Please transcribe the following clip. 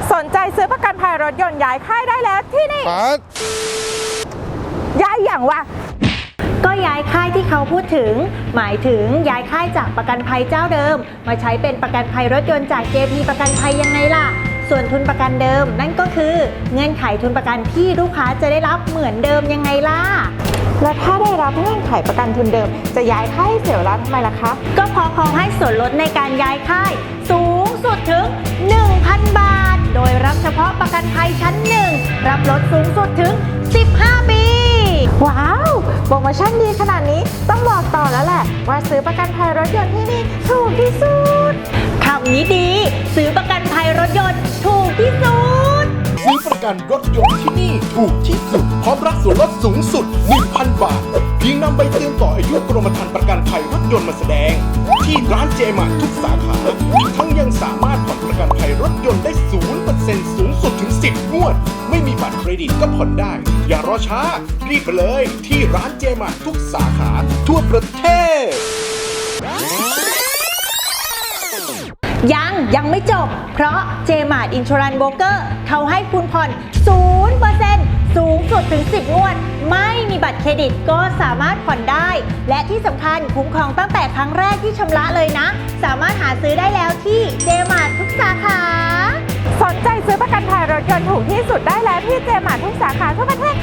สนใจซื้อประกันภัยรถยนต์ย้ายค่ายได้แล้วที่นี่ปั๊ดย้ายอย่างวะก็ย้ายค่ายที่เขาพูดถึงหมายถึงย้ายค่ายจากประกันภัยเจ้าเดิมมาใช้เป็นประกันภัยรถยนต์จาก JP ประกันภัยยังไงล่ะส่วนทุนประกันเดิมนั่นก็คือเงื่อนไขทุนประกันที่ลูกค้าจะได้รับเหมือนเดิมยังไงล่ะแล้วถ้าได้รับเงื่อนไขประกันทุนเดิมจะย้ายค่ายให้เสียเวลาทำไมล่ะคะก็เพอเขาให้ส่วนลดในการย้ายค่ายสูงสุดถึง 1,000 บาท โดยรับเฉพาะประกันภัยชั้น 1 รับลดสูงสุดถึง 15 ปีว้าวโปรโมชั่นดีขนาดนี้ต้องบอกต่อแล้วแหละว่าซื้อประกันภัยรถยนต์ที่นี่ถูกที่สุดคำนี้ดีซื้อประกันภัยรถยนต์ถูกที่สุดซื้อประกันรถยนต์ที่นี่ถูกที่สุดพร้อมรับส่วนลดสูงสุด 1,000 บาท เพียงนำใบเตือนต่ออายุกรมธรรม์ประกันภัยรถยนต์มาแสดง ที่ร้านเจมาร์ททุกสาขาทั้งยังสามารถผ่อนประกันภัยรถยนต์ได้ 0% สูงสุดถึง 10 งวด ไม่มีบัตรเครดิตก็ผ่อนได้ อย่ารอช้า รีบไปเลยที่ร้านเจมาร์ททุกสาขาทั่วประเทศยังไม่จบ เพราะ JMart Insurance Broker เขาให้คุณผ่อน 0% สูงสุดถึง 10 งวด ไม่มีบัตรเครดิตก็สามารถผ่อนได้ และที่สำคัญคุ้มครองตั้งแต่ครั้งแรกที่ชำระเลยนะ สามารถหาซื้อได้แล้วที่ JMart ทุกสาขาสนใจซื้อประกันภัยรถยนต์ถูกที่สุดได้แล้วที่เจมาร์ททุกสาขาทั่วประเทศ